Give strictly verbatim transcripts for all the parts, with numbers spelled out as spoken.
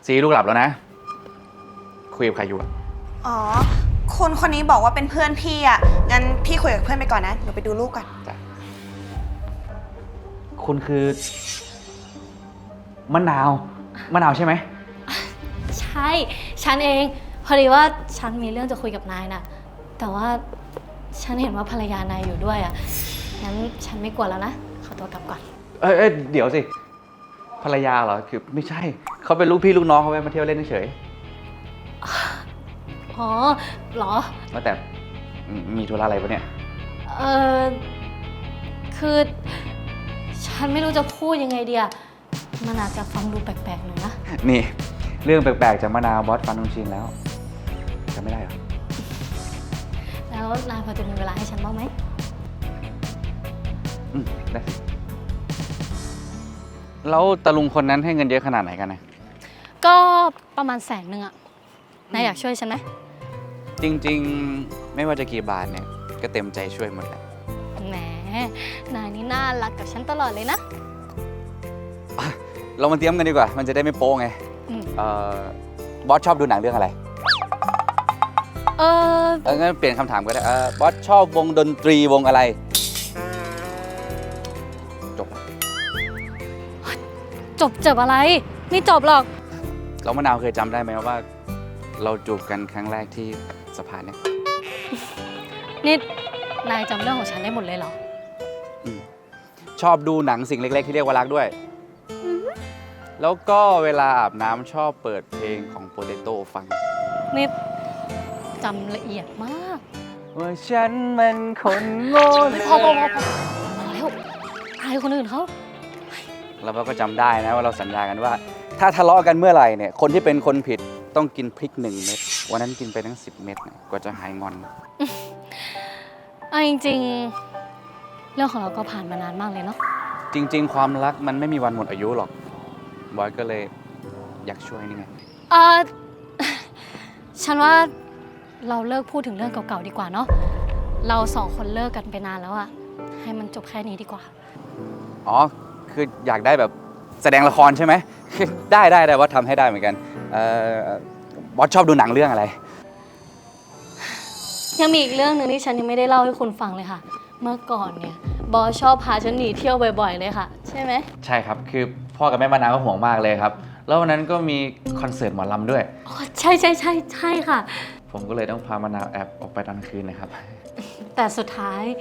ซีลูกหลับแล้วนะคุยกับใครอยู่อะอ๋อคนคนนี้บอกว่าเป็นเพื่อนพี่อ่ะงั้นพี่คุยกับเพื่อนไปก่อนนะหนูไปดูลูกก่อนจ้ะคุณคือมะนาวมะนาวใช่ไหมใช่ฉันเองพอดีว่าฉันมีเรื่องจะคุยกับนายนะแต่ว่าฉันเห็นว่าภรรยานายอยู่ด้วยอ่ะงั้นฉันไม่กลัวแล้วนะขอตัวกลับก่อนเอ้ยเอ้ยเดี๋ยวสิภรรยาเหรอคือไม่ใช่เขาเป็นลูกพี่ลูกน้องเขาแวะมาเที่ยวเล่นเฉยอ๋อเหรอว่าแต่มีธุระอะไรปะเนี่ยเออคือฉันไม่รู้จะพูดยังไงดีอะมันอาจจะฟังดูแปลกๆหน่อยนะนี่เรื่องแปลกๆจากมะนาวบอสฟันนุ่งชินแล้วจะไม่ได้หรอแล้วนายพอจะมีเวลาให้ฉันบ้างไหมอืมได้สิแล้วตะลุงคนนั้นให้เงินเยอะขนาดไหนกันนะก็ประมาณแสนหนึ่งอะนายอยากช่วยฉันไหมจริงๆไม่ว่าจะกี่บาทเนี่ยก็เต็มใจช่วยหมดแหละแหมนายนี่น่ารักกับฉันตลอดเลยนะเรามาเตรียมกันดีกว่ามันจะได้ไม่โป๊ไงเอ่อบอสชอบดูหนังเรื่องอะไรเออเอองั้นเปลี่ยนคำถามก็ได้เออบอสชอบวงดนตรีวงอะไรจบจบจบอะไรไม่จบหรอกเรามะนาวเคยจำได้ไหมว่าเราจูบกันครั้งแรกที่สะพานเนี่ยนี่นายจำเรื่องของฉันได้หมดเลยเหรอชอบดูหนังสิ่งเล็กๆที่เรียกว่ารักด้วยแล้วก็เวลาอาบน้ำชอบเปิดเพลงของโปเตโต้ฟังนี่จำละเอียดมากว่าฉันมันคนโง่พอพอพอพอแล้วอายคนอื่นเขาแล้วเราก็จำได้นะว่าเราสัญญากันว่าถ้าทะเลาะกันเมื่อไหร่เนี่ยคนที่เป็นคนผิดต้องกินพริกหนึ่งเม็ดวันนั้นกินไปทั้งสิบเม็ดเนี่ยกว่าจะหายงอนเอาจริงๆเรื่องของเราก็ผ่านมานานมากเลยเนาะจริงๆความรักมันไม่มีวันหมดอายุหรอกบอยก็เลยอยากช่วยนี่ไงเออฉันว่าเราเลิกพูดถึงเรื่องเก่าๆดีกว่าเนาะเราสองคนเลิกกันไปนานแล้วอะให้มันจบแค่นี้ดีกว่าอ๋อคืออยากได้แบบแสดงละครใช่ไหมได้ได้ได้ว่าทำให้ได้เหมือนกันเอ่อบอสชอบดูหนังเรื่องอะไรยังมีอีกเรื่องหนึ่งที่ฉันยังไม่ได้เล่าให้คุณฟังเลยค่ะเมื่อก่อนเนี่ยบอสชอบพาฉันหนีเที่ยวบ่อยๆเลยค่ะใช่ไหมใช่ครับคือพ่อกับแม่มานาวก็ห่วงมากเลยครับแล้ววันนั้นก็มีคอนเสิร์ตหมอลำด้วยอ๋อใช่ใช่ใช่ใช่ค่ะผมก็เลยต้องพามานาวแอบออกไปตอนคืนนะครับแต่สุดท้าย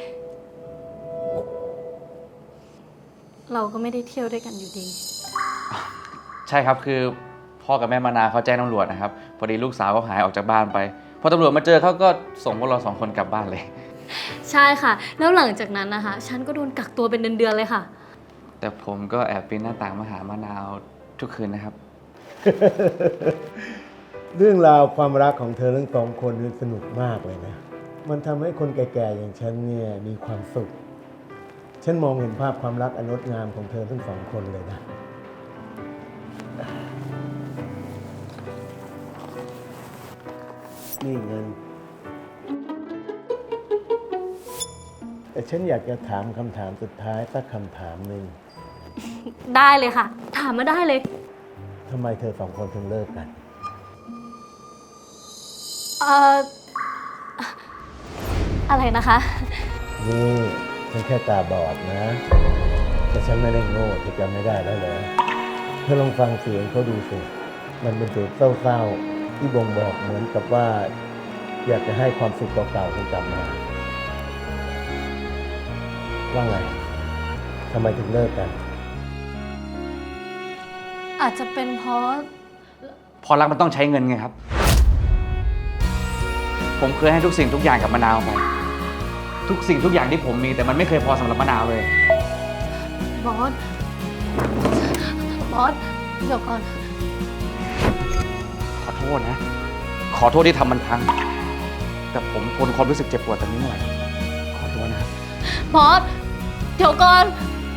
เราก็ไม่ได้เที่ยวด้วยกันอยู่ดีใช่ครับคือพ่อกับแม่มานาวเขาแจ้งตำรวจนะครับพอดีลูกสาวเขาหายออกจากบ้านไปพอตำรวจมาเจอเขาก็ส่งพวกเราสองคนกลับบ้านเลยใช่ค่ะแล้วหลังจากนั้นนะคะฉันก็โดนกักตัวเป็นเดือนๆเลยค่ะแต่ผมก็แอบปีนหน้าต่างมาหามะนาวทุกคืนนะครับเรื่องราวความรักของเธอทั้งสองคนนี่สนุกมากเลยนะมันทำให้คนแก่ๆอย่างฉันเนี่ยมีความสุขฉันมองเห็นภาพความรักอันงดงามของเธอทั้งสองคนเลยนะนี่เงินแต่ฉันอยากจะถามคำถามสุดท้ายสักคำถามหนึ่งได้เลยค่ะถามมาได้เลยทำไมเธอสองคนถึงเลิกกันเอ่ออะไรนะคะนี่ฉันแค่ตาบอดนะแต่ฉันไม่ได้โง่จะจำไม่ได้แล้วเหรอเธอลองฟังเสียงเขาดูสิมันเป็นเสียงเศร้าๆที่บ่งบอกเหมือนกับว่าอยากจะให้ความสุขเก่าๆคุณกลับมาว่าไงทำไมถึงเลิกกันอาจจะเป็นเพราะพอรักมันต้องใช้เงินไงครับผมเคยให้ทุกสิ่งทุกอย่างกับมะนาวไปทุกสิ่งทุกอย่างที่ผมมีแต่มันไม่เคยพอสำหรับมะนาวเลยบอสบอสเดี๋ยวก่อนขอโทษนะขอโทษที่ทำมันพังแต่ผมทนความรู้สึกเจ็บปวดตรงนี้ไม่ไหวขอโทษนะครับบอสเดี๋ยวก่อน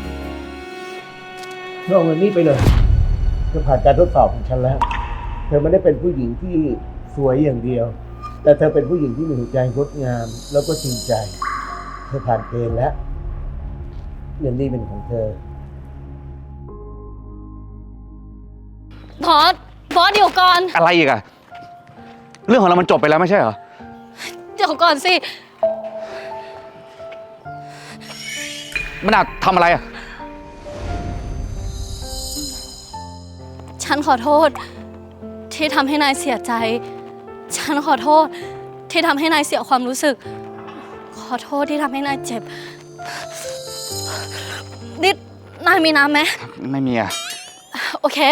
เธอเอาเงินนี้ไปเลยเธอผ่านการทดสอบของฉันแล้วเธอไม่ได้เป็นผู้หญิงที่สวยอย่างเดียวแต่เธอเป็นผู้หญิงที่มีหัวใจงดงามแล้วก็จริงใจเธอผ่านเกณฑ์แล้วเงินนี้เป็นของเธอบอสบอสเดี๋ยวก่อนอะไรอีกอะเรื่องของเรามันจบไปแล้วไม่ใช่เหรอเดี๋ยวก่อนสิมันอาจทำอะไรอะฉันขอโทษ ที่ทำให้นายเสียใจ ฉันขอโทษ ที่ทำให้นายเสียความรู้สึก ขอโทษที่ทำให้นายเจ็บนิดนายมีน้ำไหมไม่มีอะโอเค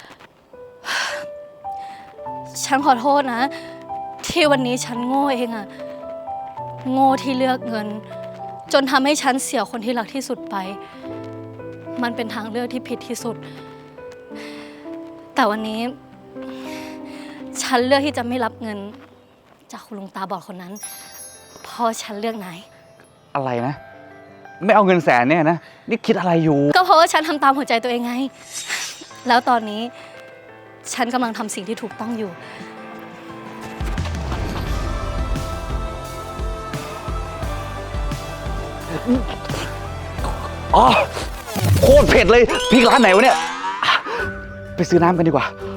ฉันขอโทษนะ ที่วันนี้ฉันโง่เองอะโง่ที่เลือกเงิน จนทำให้ฉันเสียคนที่รักที่สุดไป มันเป็นทางเลือกที่ผิดที่สุด แต่วันนี้ ฉันเลือกที่จะไม่รับเงิน จากคุณลุงตาบอดคนนั้น เพราะฉันเลือกนายอะไรนะ ไม่เอาเงินแสนเนี่ยนะ นี่คิดอะไรอยู่ก็เพราะว่าฉันทำตามหัวใจตัวเองไง แล้วตอนนี้ ฉันกำลังทำสิ่งที่ถูกต้องอยู่อ๋อ โคตรเผ็ดเลยพริกร้านไหนวะเนี่ย ไปซื้อน้ำกันดีกว่า